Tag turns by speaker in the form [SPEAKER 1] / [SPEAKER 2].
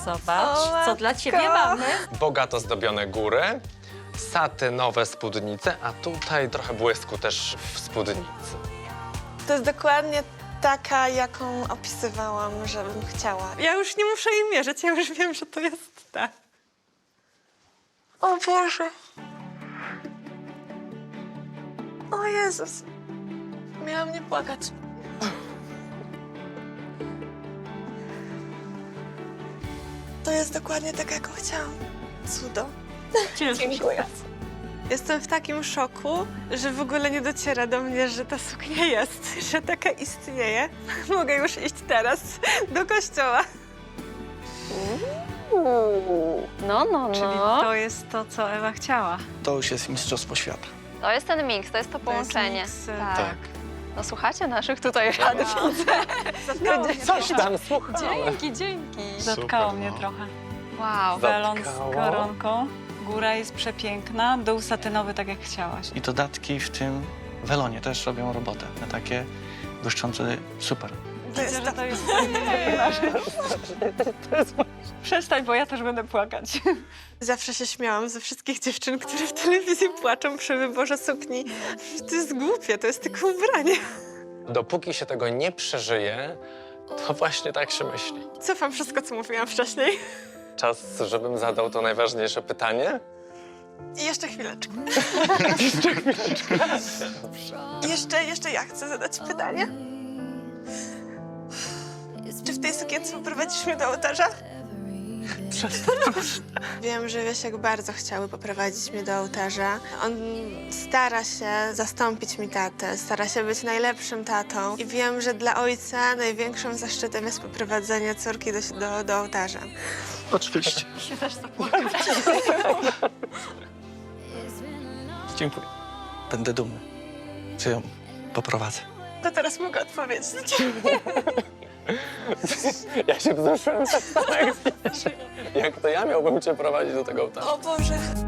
[SPEAKER 1] Zobacz, co dla ciebie mamy.
[SPEAKER 2] Bogato zdobione góry, satynowe spódnice, a tutaj trochę błysku też w spódnicy.
[SPEAKER 3] To jest dokładnie taka, jaką opisywałam, żebym chciała.
[SPEAKER 4] Ja już nie muszę jej mierzyć, ja już wiem, że to jest ta.
[SPEAKER 3] O Boże. O Jezus. Miałam nie płakać. To jest dokładnie tak, jaką chciałam. Cudo. Dziękuję.
[SPEAKER 4] Jestem w takim szoku, że w ogóle nie dociera do mnie, że ta suknia jest, że taka istnieje. Mogę już iść teraz do kościoła.
[SPEAKER 1] No.
[SPEAKER 4] Czyli to jest to, co Ewa chciała.
[SPEAKER 5] To już jest mistrzostwo świata.
[SPEAKER 1] To jest ten miks, to jest to połączenie.
[SPEAKER 4] miks,
[SPEAKER 1] tak. No słuchacie naszych tutaj rad, widzę.
[SPEAKER 2] Coś tam, słuchaj.
[SPEAKER 1] Dzięki.
[SPEAKER 6] Zatkało mnie trochę.
[SPEAKER 1] Wow.
[SPEAKER 6] Welon z
[SPEAKER 2] Zatkało.
[SPEAKER 6] koronką. Góra jest przepiękna, dół satynowy, tak jak chciałaś.
[SPEAKER 5] I dodatki w tym welonie też robią robotę. Na takie błyszczące, super.
[SPEAKER 6] Widzę, że to jest Przestań, bo ja też będę płakać.
[SPEAKER 4] Zawsze się śmiałam ze wszystkich dziewczyn, które w telewizji płaczą przy wyborze sukni. To jest głupie, to jest tylko ubranie.
[SPEAKER 2] Dopóki się tego nie przeżyje, to właśnie tak się myśli.
[SPEAKER 4] Cofam wszystko, co mówiłam wcześniej.
[SPEAKER 2] Czas, żebym zadał to najważniejsze pytanie.
[SPEAKER 3] I jeszcze chwileczkę. Jeszcze ja chcę zadać pytanie. Czy w tej sukience poprowadzisz mnie do ołtarza? Wiem, że Wiesiek bardzo chciałby poprowadzić mnie do ołtarza. On stara się zastąpić mi tatę, stara się być najlepszym tatą. I wiem, że dla ojca największym zaszczytem jest poprowadzenie córki do ołtarza.
[SPEAKER 5] Oczywiście.
[SPEAKER 6] Się też zapłakać.
[SPEAKER 5] Dziękuję. Będę dumny, że ją poprowadzę.
[SPEAKER 3] To teraz mogę odpowiedzieć.
[SPEAKER 2] Ja się wzruszyłem tak samo jak wiesz. Jak to ja miałbym cię prowadzić do tego ołtarza?
[SPEAKER 3] O Boże.